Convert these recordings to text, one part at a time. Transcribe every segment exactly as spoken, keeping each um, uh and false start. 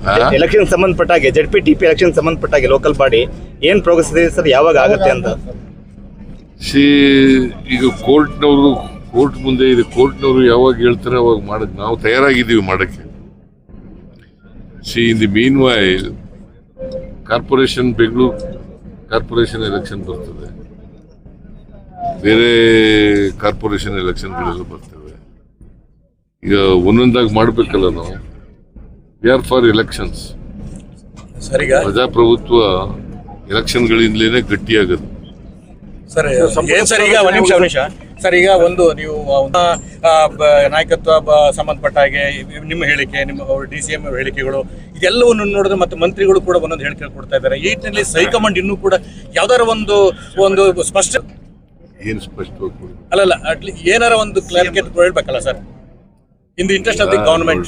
Election ಸಂಬಂಧಪಟ್ಟಾಗೆ Z P T P election ಸಂಬಂಧಪಟ್ಟಾಗೆ local body ಏನ್ ಪ್ರೋಗ್ರೆಸ್ ಇದೆ ಸರ್, ಯಾವಾಗ ಆಗುತ್ತೆ ಅಂತ? ಸಿ ಈಗ ಕೋರ್ಟ್ನವರು ಕೋರ್ಟ್ ಮುಂದೆ ಇದೆ, ಕೋರ್ಟ್ನವರು ಯಾವಾಗ ಹೇಳ್ತಾರೆ ಅವಾಗ ಮಾಡಕ್ ನಾವು ತಯಾರಾಗಿದ್ದೀವಿ ಮಾಡಕ್ಕೆ. See in the meanwhile corporation Bengaluru corporation election ಬರ್ತದೆ, ಬೇರೆ ಕಾರ್ಪೊರೇಷನ್ ಎಲೆಕ್ಷನ್ಗಳೆಲ್ಲ ಬರ್ತವೆ. ಈಗ ಒಂದೊಂದಾಗಿ ಮಾಡಬೇಕಲ್ಲ ನಾವು. We are for elections. ಪ್ರಜಾಪ್ರಭುತ್ವ ಎಲೆಕ್ಷನ್ಗಳಿಂದಲೇ ಗಟ್ಟಿಯಾಗುತ್ತೆ. ಸರ್ ಸರ್ ಈಗ ಒಂದು ನಿಮಿಷ ನಿಮಿಷ ಸರ್, ಈಗ ಒಂದು ನೀವು ನಾಯಕತ್ವ ಸಂಬಂಧಪಟ್ಟ ಹಾಗೆ ನಿಮ್ಮ ಹೇಳಿಕೆ, ನಿಮ್ಮ ಡಿ ಸಿ ಎಂ ಹೇಳಿಕೆಗಳು ಇದೆಲ್ಲವನ್ನು ನೋಡಿದ್ರೆ ಮತ್ತೆ ಮಂತ್ರಿಗಳು ಕೂಡ ಒಂದೊಂದು ಹೇಳಿಕೆ ಕೊಡ್ತಾ ಇದ್ದಾರೆ. ಈ ನಿಟ್ಟಿನಲ್ಲಿ ಹೈಕಮಾಂಡ್ ಇನ್ನೂ ಕೂಡ ಯಾವ್ದಾರ ಒಂದು ಒಂದು ಸ್ಪಷ್ಟ ಏನು ಸ್ಪಷ್ಟವಾಗಿ ಅಲ್ಲಲ್ಲ ಅಟ್ಲೀಸ್ಟ್ ಏನಾರ ಒಂದು ಕ್ಲಾರಿಫಿಕೇಟ್ ಹೇಳ್ಬೇಕಲ್ಲ sir, in the interest of the government.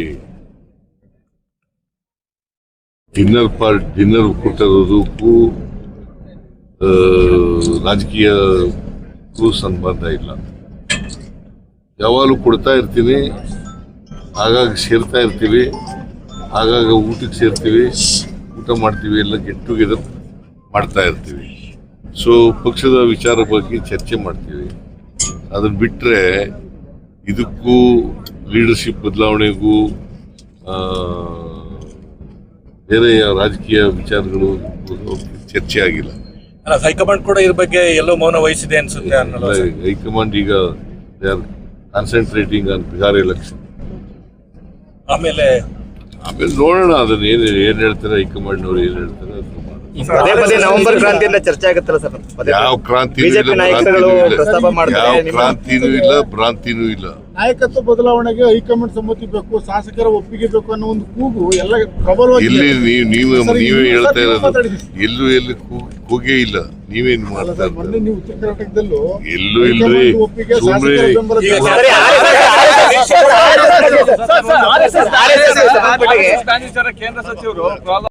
Dinner part dinner ಕೊಟ್ಟಿರೋದಕ್ಕೂ ರಾಜಕೀಯಕ್ಕೂ ಸಂಬಂಧ ಇಲ್ಲ. ಯಾವಾಗಲೂ ಕೊಡ್ತಾ ಇರ್ತೀನಿ, ಆಗಾಗ ಸೇರ್ತಾ ಇರ್ತೀವಿ, ಆಗಾಗ ಊಟಕ್ಕೆ ಸೇರ್ತೀವಿ, ಊಟ ಮಾಡ್ತೀವಿ, ಎಲ್ಲ ಗೆಟ್ ಟುಗೆದರ್ ಮಾಡ್ತಾ ಇರ್ತೀವಿ. ಸೊ ಪಕ್ಷದ ವಿಚಾರ ಬಗ್ಗೆ ಚರ್ಚೆ ಮಾಡ್ತೀವಿ. ಅದನ್ನ ಬಿಟ್ಟರೆ ಇದಕ್ಕೂ ಲೀಡರ್ಶಿಪ್ ಬದಲಾವಣೆಗೂ ಬೇರೆ ರಾಜಕೀಯ ವಿಚಾರಗಳು ಚರ್ಚೆ ಆಗಿಲ್ಲ. ಹೈಕಮಾಂಡ್ ಕೂಡ ಇದ್ರ ಬಗ್ಗೆ ಎಲ್ಲೋ ಮೌನ ವಹಿಸಿದೆ ಅನ್ಸುತ್ತೆ. ಹೈಕಮಾಂಡ್ ಈಗ they are concentrating on Bihar election. ಆಮೇಲೆ ಆಮೇಲೆ ನೋಡೋಣ ಅದನ್ನ ಏನ್ ಏನ್ ಹೇಳ್ತಾರೆ ಹೈಕಮಾಂಡ್ನವ್ರು ಏನ್ ಹೇಳ್ತಾರೆ ಅದು. ಪದೇ ಪದೇ ನವೆಂಬರ್ ಕ್ರಾಂತಿಯಿಂದ ಚರ್ಚೆ ಆಗುತ್ತಲ್ಲ ಸರ್? ಯಾವ ಕ್ರಾಂತಿನೂ ಬಿಜೆಪಿ ನಾಯಕರುಗಳು ಪ್ರಸ್ತಾಪ ಮಾಡ್ತಾರೆ. ಯಾವ ಕ್ರಾಂತಿನೂ ಇಲ್ಲ, ಭ್ರಾಂತಿನೂ ಇಲ್ಲ. ನಾಯಕತ್ವ ಬದಲಾವಣೆಗೆ ಹೈಕಮಾಂಡ್ ಸಮ್ಮತಿ ಬೇಕು, ಶಾಸಕರ ಒಪ್ಪಿಗೆ ಬೇಕು ಅನ್ನೋ ಒಂದು ಕೂಗು ಎಲ್ಲ ಪ್ರಬಲವಾಗಿ. ಇಲ್ಲಿ ನೀವು ನೀವೇ ನೀವೇ ಹೇಳ್ತಾ ಇರೋದು, ಎಲ್ಲೂ ಎಲ್ಲಿ ಕೂಗೇ ಇಲ್ಲ. ನೀವೇನ್ ಮಾಡ್ತಾ ಮೊನ್ನೆ ನೀವು ಉತ್ತರ ಕರ್ನಾಟಕದಲ್ಲೂ ಎಲ್ಲೂ ಇಲ್ರಿ, ಸುಮ್ಮನೆ ಕೇಂದ್ರ ಸಚಿವರು